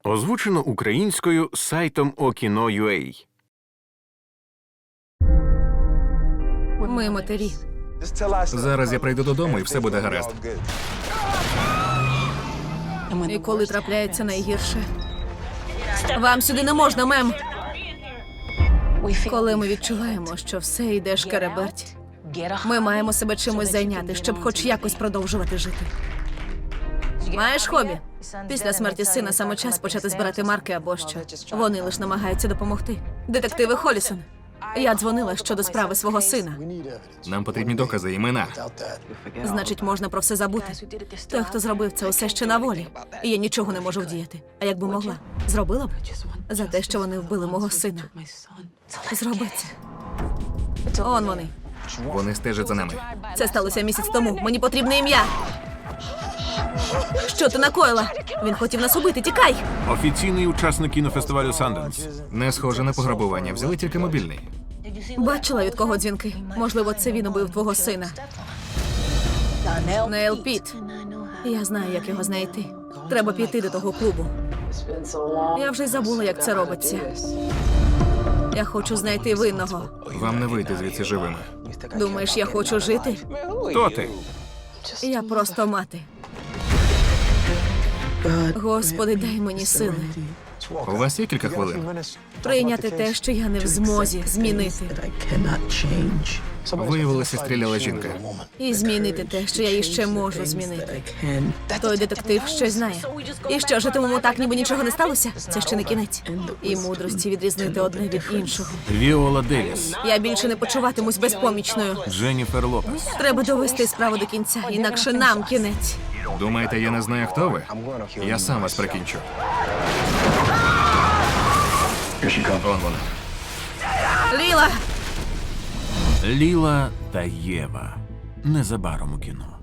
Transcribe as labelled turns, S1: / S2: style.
S1: Озвучено українською сайтом Okino.ua.
S2: Ми матері.
S3: Зараз я прийду додому і все буде гаразд.
S2: І коли трапляється найгірше. Вам сюди не можна, мем. Коли ми відчуваємо, що все йде шкереберть, ми маємо себе чимось зайняти, щоб хоч якось продовжувати жити. Маєш хобі? Після смерті сина саме час почати збирати марки або що. Вони лише намагаються допомогти. Детективи Холісон. Я дзвонила щодо справи свого сина.
S3: Нам потрібні докази, імена.
S2: Значить, можна про все забути. Той, хто зробив це, усе ще на волі. І я нічого не можу вдіяти. А якби могла, зробила б? За те, що вони вбили мого сина. Зроби це. Он вони.
S3: Вони стежать за нами.
S2: Це сталося місяць тому. Мені потрібне ім'я. Що ти накоїла? Він хотів нас убити. Тікай!
S1: Офіційний учасник кінофестивалю Санденс.
S3: Не схоже на пограбування. Взяли тільки мобільний.
S2: Бачила, від кого дзвінки. Можливо, це він убив твого сина. Нейл Піт. Я знаю, як його знайти. Треба піти до того клубу. Я вже й забула, як це робиться. Я хочу знайти винного.
S3: Вам не вийти звідси живими.
S2: Думаєш, я хочу жити?
S1: Хто ти?
S2: Я просто мати. Господи, дай мені сили.
S3: У вас є кілька хвилин?
S2: Прийняти те, що я не в змозі змінити.
S3: Виявилося, стріляла жінка.
S2: І змінити те, що я іще можу змінити. Той детектив щось знає. І що, житимемо так, ніби нічого не сталося? Це ще не кінець. І мудрості відрізнити одне від іншого.
S1: Віола Девіс.
S2: Я більше не почуватимусь безпомічною.
S1: Дженніфер Лопес.
S2: Треба довести справу до кінця, інакше нам кінець.
S3: Думаєте, я не знаю, хто ви? Я сам вас прикінчу. Вон вона.
S2: Ліла!
S1: Ліла та Єва. Незабаром у кіно.